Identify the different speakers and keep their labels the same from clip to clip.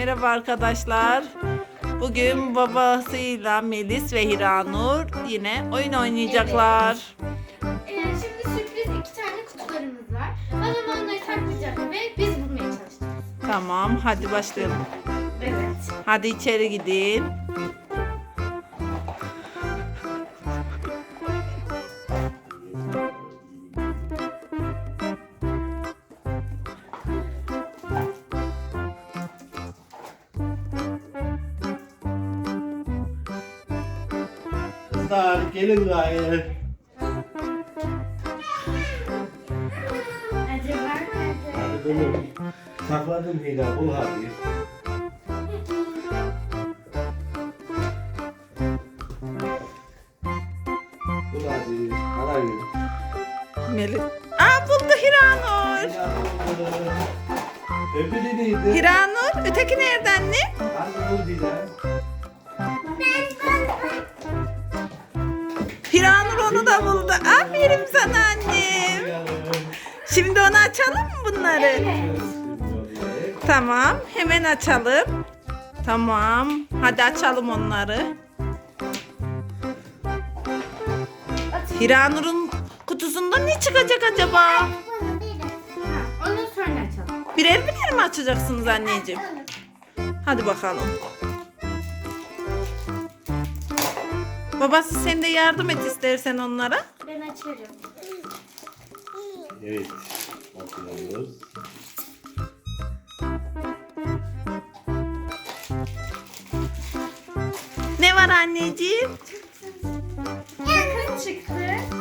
Speaker 1: merhaba arkadaşlar. Bugün babasıyla Melis ve Hiranur yine oyun oynayacaklar.
Speaker 2: Şimdi sürpriz 2 tane kutularımız var. Babam onları saklayacak ve biz bulmaya çalışacağız.
Speaker 1: Tamam, hadi başlayalım.
Speaker 2: Evet.
Speaker 1: Hadi içeri gidin.
Speaker 3: Kızlar gelin gayrı.
Speaker 2: Acaba nerede?
Speaker 3: Hadi bunu sakladım Hila, bul hadi. Bul hadi, arayın.
Speaker 1: Melis. Buldu Hiranur.
Speaker 3: Hila buldu. Öbürü neydi?
Speaker 1: Hiranur, öteki nerede anne?
Speaker 3: Hadi bul Hila.
Speaker 1: Hiranur onu da buldu. Aferin sana annem. Şimdi onu açalım mı bunları?
Speaker 2: Evet.
Speaker 1: Tamam, hemen açalım. Tamam, hadi açalım onları. Hiranur'un kutusunda ne çıkacak acaba?
Speaker 2: Ha, onu sonra açalım.
Speaker 1: Birer birer mi açacaksınız anneciğim? Hadi bakalım. Babası sen de yardım et istersen onlara.
Speaker 2: Ben açarım.
Speaker 3: Evet, bakıyoruz.
Speaker 1: Ne var anneciğim?
Speaker 2: Bakın çıktı.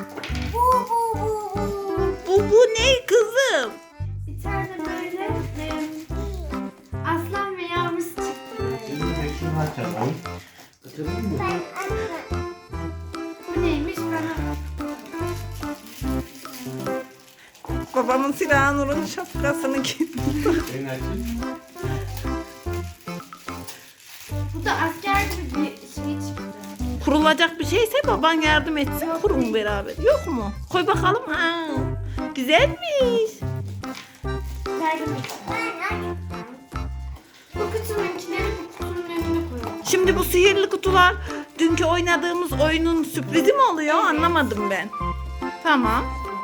Speaker 1: Bu ne kızım?
Speaker 2: Bir tane böyle aslan ve yavrusu çıktı.
Speaker 3: Şimdi de şunu açalım. Açalım mı?
Speaker 2: Bu neymiş bana?
Speaker 1: Babamın Hiranur'un şapkasını giydi.
Speaker 3: Ben açayım.
Speaker 2: Bu da asker gibi bir şey çıktı.
Speaker 1: Kurulacak bir şeyse baban yardım etsin. Kurun beraber. Yok mu? Koy bakalım. Ha. Güzelmiş.
Speaker 2: Verdim içine. Bu kutununkileri bu kutunun önüne koyalım.
Speaker 1: Şimdi bu sihirli kutular dünkü oynadığımız oyunun sürprizi mi oluyor? Anlamadım ben. Tamam.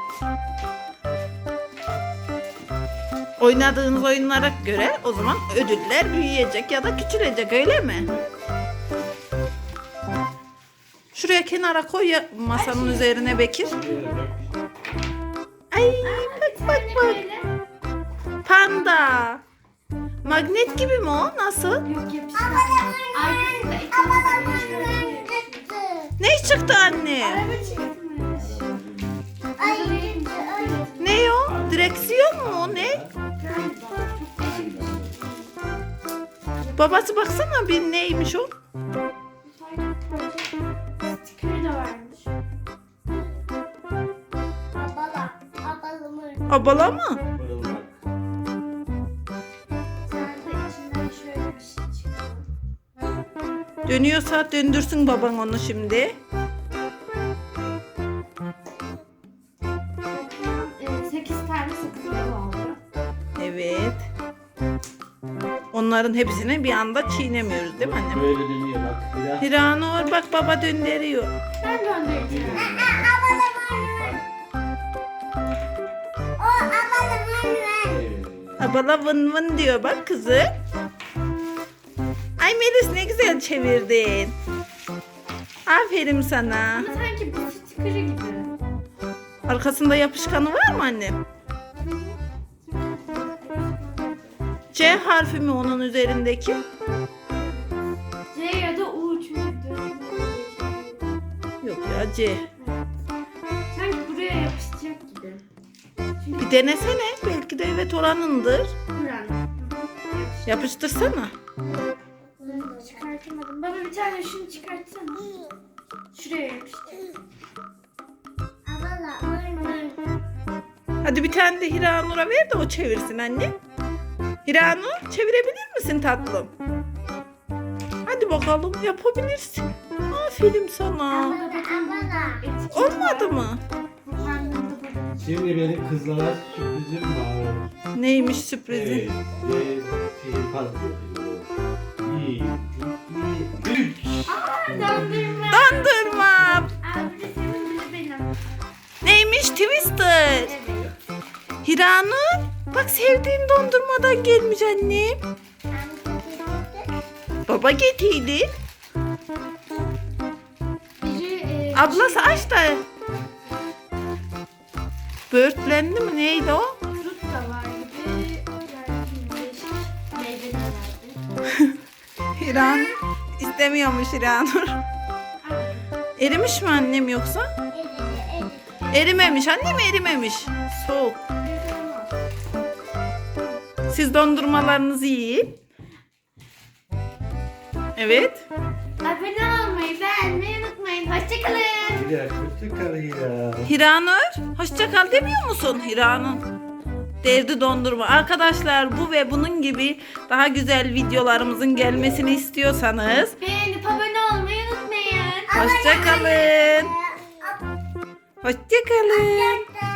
Speaker 1: Oynadığınız oyunlara göre o zaman ödüller büyüyecek ya da küçülecek, öyle mi? Şuraya kenara koy ya, masanın üzerine Bekir. Ay bak bak bak.
Speaker 2: Böyle.
Speaker 1: Panda. Magnet gibi mi o? Nasıl?
Speaker 2: Yok yapıştı. Arkasında ekranı
Speaker 1: Ne çıktı anne?
Speaker 2: araba çıkmış. Araba değilmiş.
Speaker 1: Ne o? Direksiyon mu o, ne?
Speaker 2: Galiba. Çok değişik bir şey.
Speaker 1: Babası baksana bir neymiş o?
Speaker 2: Stikeri de varmış.
Speaker 1: Abala mı?
Speaker 3: Fırıldak.
Speaker 2: Sen de içinden şöyle bir şey çıktı.
Speaker 1: Dönüyorsa döndürsün baban onu şimdi.
Speaker 2: 8 tane sakızımız oldu.
Speaker 1: Evet. Onların hepsini bir anda çiğnemiyoruz değil mi annem?
Speaker 3: Böyle dönüyor bak. Hila.
Speaker 1: Hiranur bak baba döndürüyor.
Speaker 2: Ben göndereceğim.
Speaker 3: Evet.
Speaker 1: Abala vın vın diyor bak kızı. Ay Melis ne güzel çevirdin. Aferin sana.
Speaker 2: Ama sanki bu stikeri gibi.
Speaker 1: Arkasında yapışkanı var mı annem? C harfi mi onun üzerindeki?
Speaker 2: C ya da U çünkü
Speaker 1: Yok ya C.
Speaker 2: sanki buraya yapışacak gibi. Çünkü
Speaker 1: Bir denesene. Belki de evet oranındır.
Speaker 2: buranın.
Speaker 1: Yapıştırsana.
Speaker 2: Çıkartamadım. Baba bir tane şunu çıkartsana. Şuraya yapıştır.
Speaker 1: Hadi bir tane de Hiranur'a ver de o çevirsin anne. Hiranur çevirebilir misin tatlım? Hadi bakalım yapabilirsin. Aferin sana. Olmadı mı?
Speaker 3: Şimdi benim kızlara sürprizim var.
Speaker 1: Neymiş sürprizi?
Speaker 3: Evet. Ve şey patlıyor. 2, 3.
Speaker 2: Aa, dondurma.
Speaker 1: Dondurma.
Speaker 2: Aa, bu da senin, bu da benim.
Speaker 1: Neymiş Twister?
Speaker 2: Evet.
Speaker 1: Hiranur, bak sevdiğin dondurmadan gelmiş annem. Baba getirdi.
Speaker 2: Biri,
Speaker 1: Ablası aç da. Böğürtlendi mi neydi o?
Speaker 2: Frut da var gibi. Yani değişik meyveler vardı.
Speaker 1: Hiran istemiyormuş Hiranur. Erimiş mi annem yoksa? Erimemiş annem, erimemiş. Soğuk. Siz dondurmalarınızı yiyin. Evet.
Speaker 2: Abone olmayı, beğenmeyi unutmayın. Hoşçakalın.
Speaker 3: Hira kötü kal Hira.
Speaker 1: Hiranur, hoşça kal demiyor musun Hiranur? Derdi dondurma. Arkadaşlar bu ve bunun gibi daha güzel videolarımızın gelmesini istiyorsanız
Speaker 2: Beğenip abone olmayı unutmayın.
Speaker 1: hoşça kalın. Hoşça kalın.